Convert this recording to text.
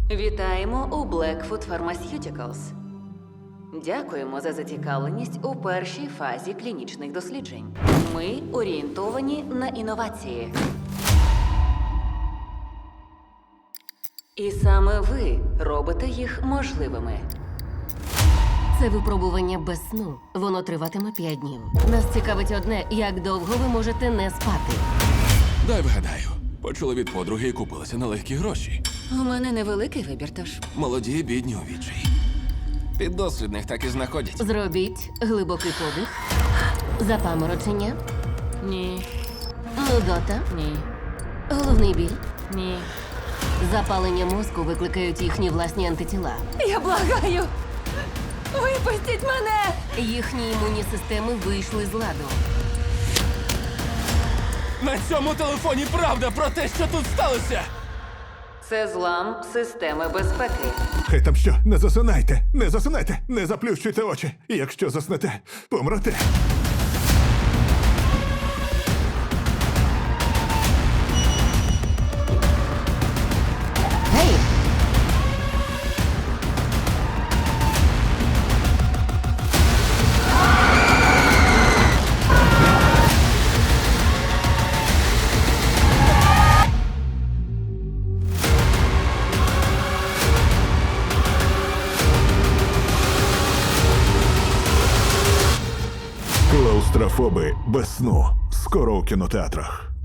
Вітаємо у Blackfoot Pharmaceuticals. Дякуємо за зацікавленість у першій фазі клінічних досліджень. Ми орієнтовані на інновації. І саме ви робите їх можливими. Це випробування без сну. Воно триватиме 5 днів. Нас цікавить одне, як довго ви можете не спати. Дай вгадаю. Почули від подруги і купилися на легкі гроші. У мене невеликий вибір, тож. Молоді, бідні у відчаї. Піддослідних так і знаходять. Зробіть глибокий подих, запаморочення, Ні, нудота, ні, головний біль. ні. Запалення мозку викликають їхні власні антитіла. Я благаю! Випустіть мене! Їхні імунні системи вийшли з ладу. На цьому телефоні правда про те, що тут сталося! Це злам системи безпеки. Хай там що, не засинайте, не засинайте, не заплющуйте очі. Якщо заснете, помрете. Гей! Клаустрофоби без сну. Скоро у кінотеатрах.